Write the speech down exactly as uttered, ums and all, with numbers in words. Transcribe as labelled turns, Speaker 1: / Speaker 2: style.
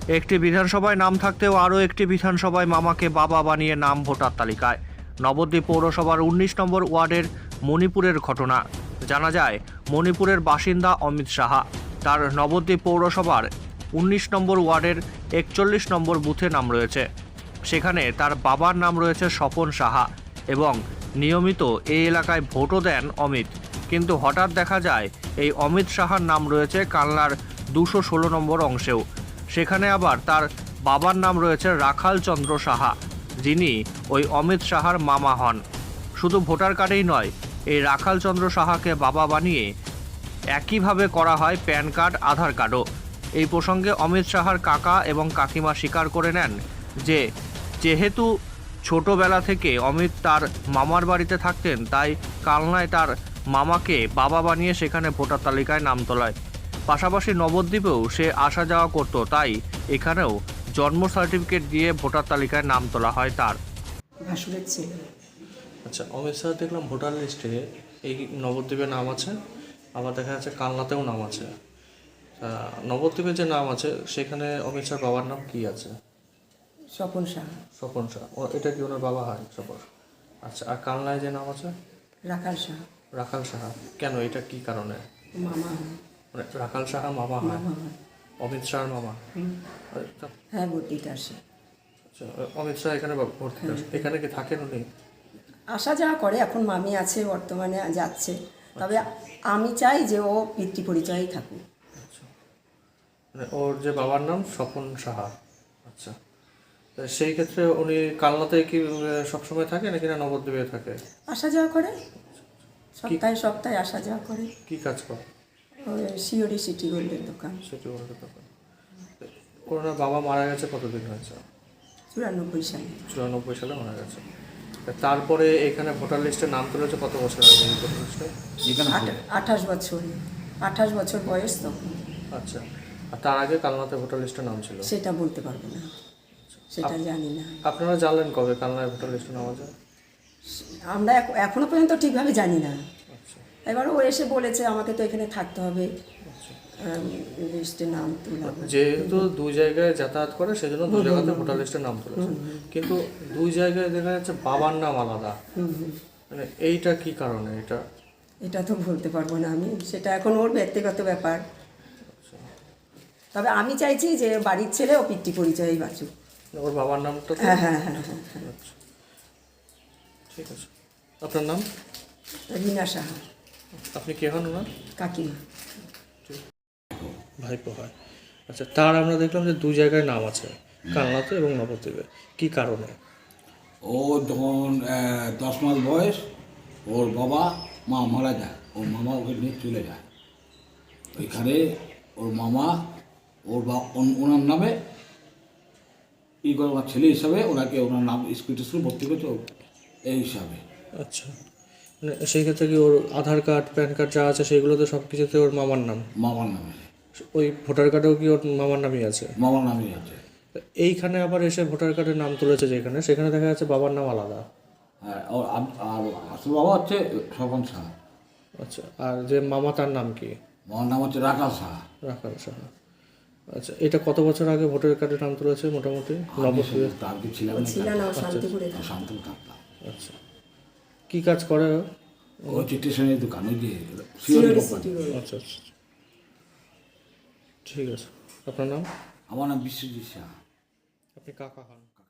Speaker 1: একটি বিধানসভায় নাম থাকতেও আরও একটি বিধানসভায় মামাকে বাবা বানিয়ে নাম ভোটার তালিকায়। নবদ্বীপ পৌরসভার উনিশ নম্বর ওয়ার্ডের মণিপুরের ঘটনা। জানা যায়, মণিপুরের বাসিন্দা অমিত সাহা তার নবদ্বীপ পৌরসভার উনিশ নম্বর ওয়ার্ডের একচল্লিশ নম্বর বুথে নাম রয়েছে। সেখানে তার বাবার নাম রয়েছে স্বপন সাহা এবং নিয়মিত এই এলাকায় ভোটও দেন অমিত। কিন্তু হঠাৎ দেখা যায় এই অমিত সাহার নাম রয়েছে কালনার দুশো ষোলো নম্বর অংশেও। সেখানে আবার তার বাবার নাম রয়েছে রাখাল চন্দ্র সাহা, যিনি ওই অমিত সাহার মামা হন। শুধু ভোটার কার্ডেই নয়, এই রাখাল চন্দ্র সাহাকে বাবা বানিয়ে একইভাবে করা হয় প্যান কার্ড, আধার কার্ডও। এই প্রসঙ্গে অমিত সাহার কাকা এবং কাকিমা স্বীকার করে নেন যে যেহেতু ছোটবেলা থেকে অমিত তার মামার বাড়িতে থাকতেন, তাই কালনায় তার মামাকে বাবা বানিয়ে সেখানে ভোটার তালিকায় নাম তোলায়। পাশাপাশি নবদ্বীপেও সে আসা যাওয়া করত, তাই এখানেও জন্ম সার্টিফিকেট দিয়ে ভোটার তালিকায় নাম তোলা হয় তার।
Speaker 2: ভাসুরের ছেলে।
Speaker 1: আচ্ছা, অমিত শাহ দেখলাম ভোটার লিস্টে এই নবদ্বীপে নাম আছে, আবার দেখা যাচ্ছে কালনাতেও নাম আছে। নবদ্বীপে যে নাম আছে সেখানে অমিত শাহ বাবার নাম কি আছে?
Speaker 2: স্বপন সাহা।
Speaker 1: স্বপন শাহ, ও এটা কি ওনার বাবা হয় স্বপন? আচ্ছা, আর কালনায় যে নাম আছে
Speaker 2: রাখাল সাহা।
Speaker 1: রাখাল সাহা, কেন, এটা কি কারণে?
Speaker 2: মামা হয়।
Speaker 1: মানে রাখাল সাহা মামা হয়,
Speaker 2: মামা হয়।
Speaker 1: অমিত শাহর মামা?
Speaker 2: হ্যাঁ, ভর্তিতে আসে।
Speaker 1: আচ্ছা, অমিত শাহ এখানে ভর্তি আছে, এখানে কি থাকেন উনি?
Speaker 2: আসা যাওয়া করে, এখন মামি আছে বর্তমানে, যাচ্ছে। তবে আমি চাই যে ও পিতৃ পরিচয়ই থাকুক।
Speaker 1: আচ্ছা, মানে ওর যে বাবার নাম স্বপন সাহা। আচ্ছা, সেই ক্ষেত্রে উনি কালনাতে কি সবসময় থাকে নাকি না নবদ্বীপে থাকে?
Speaker 2: আসা যাওয়া করে, সপ্তাহে সপ্তাহে আসা যাওয়া করে।
Speaker 1: কি কাজ করে?
Speaker 2: ওই সিওরি সিটি গোল্ডের দোকান।
Speaker 1: সেটি বলতে দোকান। ওনার বাবা মারা গেছে কতদিন হয়েছে?
Speaker 2: চুরানব্বই সালে।
Speaker 1: চুরানব্বই সালে মারা গেছে। তারপরে এখানে ভোটার লিস্টে নাম তুলেছে কত বছর আগে এই ভোটার লিস্টে?
Speaker 2: আঠাশ বছর আঠাশ বছর বয়স তখন।
Speaker 1: আচ্ছা, আর তার আগে কালনাতে ভোটার লিস্টে নাম ছিল?
Speaker 2: সেটা বলতে পারবো না, সেটা জানি না।
Speaker 1: আপনারা জানলেন কবে কালনায় ভোটার লিস্টে নাম আছে?
Speaker 2: আমরা এখনো পর্যন্ত ঠিকভাবে জানি না। এবার ও এসে বলেছে আমাকে তো এখানে থাকতে হবে, লিস্টে নাম তুলব।
Speaker 1: যেহেতু দুই জায়গায় যাতায়াত করে সেজন্য দুই জায়গাতে ভোটার লিস্টে নাম তুলেছে, কিন্তু দুই জায়গায় দেখা যাচ্ছে বাবার নাম আলাদা। মানে এইটা কি কারণে? এটা
Speaker 2: এটা তো বলতে পারবো না আমি, সেটা এখন ওর ব্যক্তিগত ব্যাপার। তবে আমি চাইছি যে বাড়ির ছেলে ও পিতৃ পরিচয়ই বাঁচুক।
Speaker 1: ওর বাবার নামটা?
Speaker 2: হ্যাঁ হ্যাঁ হ্যাঁ হ্যাঁ হ্যাঁ।
Speaker 1: আচ্ছা, ঠিক আছে। আপনার নাম?
Speaker 2: রীনা সাহা।
Speaker 1: আপনি কে হন ওনার?
Speaker 2: কাকিমা।
Speaker 1: ভাইপো হয়। আচ্ছা, তার আমরা দেখলাম যে দুই জায়গায় নাম আছে, কালনাতে এবং নবদ্বীপে। কি কারণে?
Speaker 3: ও যখন দশ মাস বয়স, ওর বাবা মা মারা যায়, ওর মামা ওকে নিয়ে চলে যায়। ওইখানে ওর মামা ওর বা ওনার নামে ই করে, ওনার ছেলে হিসাবে ওনাকে ওনার নাম স্কুল টিস্কুল ভর্তি করেছে এই হিসাবে।
Speaker 1: আচ্ছা, মানে সেই ক্ষেত্রে কি ওর আধার কার্ড, প্যান কার্ড যা আছে সেগুলোতে সব কিছুতে ওর মামার নাম?
Speaker 3: মামার নামে।
Speaker 1: ওই ভোটার কার্ডেও কি ওর মামার নামই আছে?
Speaker 3: মামার নামই আছে।
Speaker 1: এইখানে আবার এসে ভোটার কার্ডের নাম তুলেছে যেখানে, সেখানে দেখা যাচ্ছে বাবার নাম আলাদা।
Speaker 3: হ্যাঁ, আর আর আসল বাবা হচ্ছে স্বপন সাহা।
Speaker 1: আচ্ছা, আর যে মামা তার নাম কি?
Speaker 3: মামার নাম হচ্ছে রাখাল সাহা।
Speaker 1: রাখাল সাহা। আচ্ছা, এটা কত বছর আগে ভোটার কার্ডের নাম তুলেছে মোটামুটি? নবদ্বীপে
Speaker 3: তার কি ছিলাম না,
Speaker 2: ছিল না, ও শান্তিপুরে থাকতো।
Speaker 3: শান্তিপুর থাকতাম।
Speaker 1: আচ্ছা, কি কাজ করে ও?
Speaker 3: ও চিত্রেশনের দোকান, ওই যে
Speaker 2: সিওরি সিটি গোল্ড।
Speaker 1: আচ্ছা আচ্ছা, ঠিক আছে। আপনার নাম?
Speaker 3: আমার নাম বিশ্বজিৎ সাহা।
Speaker 1: আপনি কাকা হন?